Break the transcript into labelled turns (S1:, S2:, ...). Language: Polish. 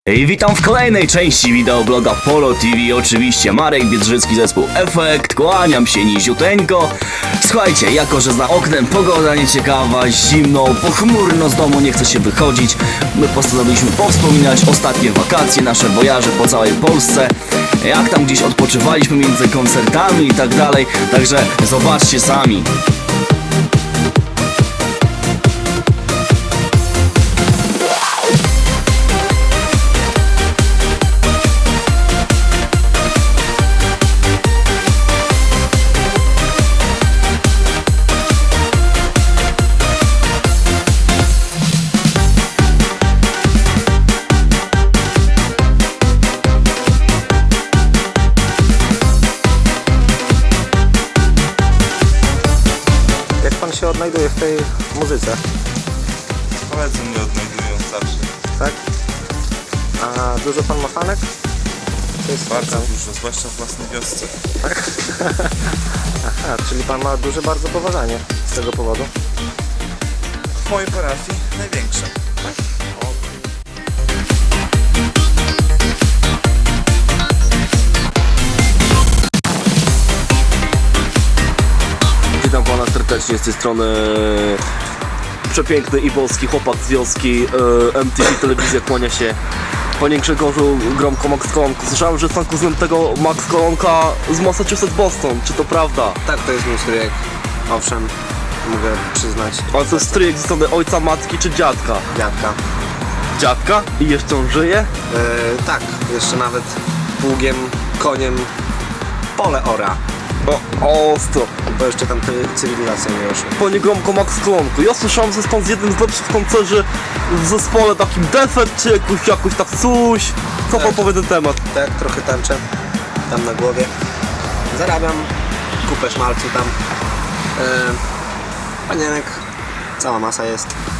S1: I witam w kolejnej części wideobloga Polo TV, oczywiście Marek Biedrzycki, zespół Efekt, kłaniam się niziuteńko. Słuchajcie, jako że za oknem pogoda nieciekawa, zimno, pochmurno, z domu nie chce się wychodzić, my postanowiliśmy powspominać ostatnie wakacje, nasze wojaże po całej Polsce, jak tam gdzieś odpoczywaliśmy między koncertami i tak dalej, także zobaczcie sami.
S2: Jak pan się odnajduje w tej muzyce?
S3: Koledzy mnie odnajdują zawsze.
S2: Tak? A dużo pan ma fanek? To jest
S3: Bardzo
S2: taka-
S3: dużo, zwłaszcza w własnej wiosce.
S2: Tak? Aha, czyli pan ma duże bardzo poważanie z tego powodu?
S3: W mojej parafii największe.
S4: Witam pana serdecznie z tej strony przepiękny i polski chłopak z wioski MTV Telewizja kłania się. Panie Grzegorzu Gromko Max Kolonko, słyszałem, że jest pan kuzynem tego Max Kolonka z Massachusetts Boston, czy to prawda?
S2: Tak, to jest mój stryjek. Owszem, mogę przyznać.
S4: Ale to jest stryjek ze strony ojca, matki czy dziadka?
S2: Dziadka.
S4: Dziadka? I jeszcze on żyje?
S2: Tak, jeszcze nawet pługiem, koniem pole ora.
S4: O, ostro.
S2: Bo jeszcze tam cywilizacja nie ruszyła.
S4: Panie Gromko Max Kolonko, ja słyszałem, że jest pan z jednym z lepszych koncerzy w zespole takim Defekt, czy jakoś tak coś. Co pan
S2: Tak.
S4: powie na ten temat?
S2: Tak, trochę tańczę tam na głowie. Zarabiam kupę szmalcu tam. Panienek, cała masa jest.